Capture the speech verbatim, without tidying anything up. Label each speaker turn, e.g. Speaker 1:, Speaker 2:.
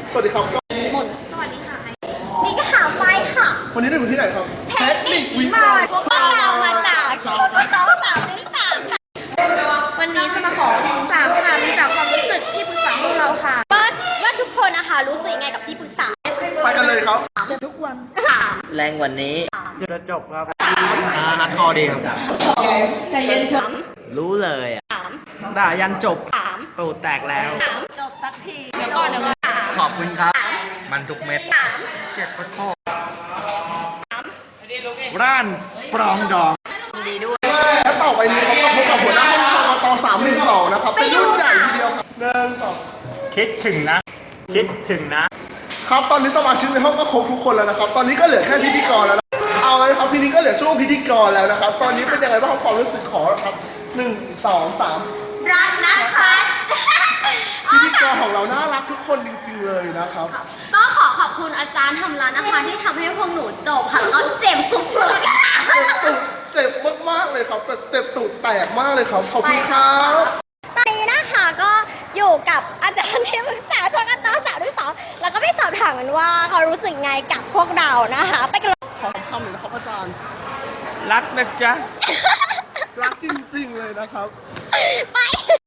Speaker 1: สวัสดีครับก็หมด
Speaker 2: สวัสดีค่ะสีขาวไฟค่ะ
Speaker 1: วันนี้เราอยู่ที่ไหนครับ
Speaker 2: เทคนิควิมานพวกเรามาจากชมรมน้องสาวทั้งสามค่ะวันนี้จะมาขอสามคำจากความรู้สึกที่ปรึกษาพวกเราค่ะว่าว่าทุกคนนะคะรู้สึกยังไงกับที่ปรึกษา
Speaker 1: ไปกันเลยครับ
Speaker 2: เจอทุกวัน
Speaker 3: แรงกว่านี้จะจบครับ
Speaker 1: นัดคอดีครับ
Speaker 2: ใจเย็นถาม
Speaker 3: รู้เลยอ่ะ
Speaker 1: ด่ายันจบ
Speaker 2: ถาม
Speaker 1: ตูดแตกแล้ว
Speaker 2: จบสักทีเดี๋ยวก่อนเดี๋ยวก่อนถาม
Speaker 3: ขอบคุณครับมันทุกเม็ด
Speaker 2: ถาม
Speaker 3: เจ็บโคตร
Speaker 1: ร้านปรองดอง
Speaker 2: ดีด้วย
Speaker 1: และต่อไปนี้เขาก็พบกับหัวหน้าห้องชกตสามหนึ่งสองนะครับเป็นรุ่นใหญ่ทีเดียวครับหนึ่งสอง
Speaker 3: คิดถึงนะคิดถึง
Speaker 1: นะครับตอนนี้สมาชิกในห้องก็ครบทุกคนแล้วนะครับตอนนี้ก็เหลือแค่พิธีกรแล้วนะเอาเลยครับทีนี้ก็เหลือช่วงพิธีกรแล้วนะครับตอนนี้เป็นยังไงบ้างความรู้สึกขอครับหนึ่งสองสาม
Speaker 2: รักนะคะ
Speaker 1: พิธีกรของเราน่ารักทุกคนจริงๆเลยนะครับ
Speaker 2: ก็ขอขอบคุณอาจารย์ทำร้านนะคะที่ทำให้พวกหนูจบค่ะแล้วเจ็บสุดๆค่ะ
Speaker 1: เจ็บตูดเจ็บมากๆเลยครับแต่เจ็บตูดแตกมากเลยครับขอบคุณครับ
Speaker 2: ตอนนี้นะคะก็อยู่กับอาจารย์ที่ปรึกษาชกตสาวที่สองแล้วก็ไปสอบถามกันว่าเขารู้สึกไงกับพวกเรานะคะไปกัน
Speaker 1: ขอคำหนึ่งนะครับอาจารย์
Speaker 3: รักนะจ๊ะ
Speaker 1: รักจริงๆเลยนะครับ
Speaker 2: ไป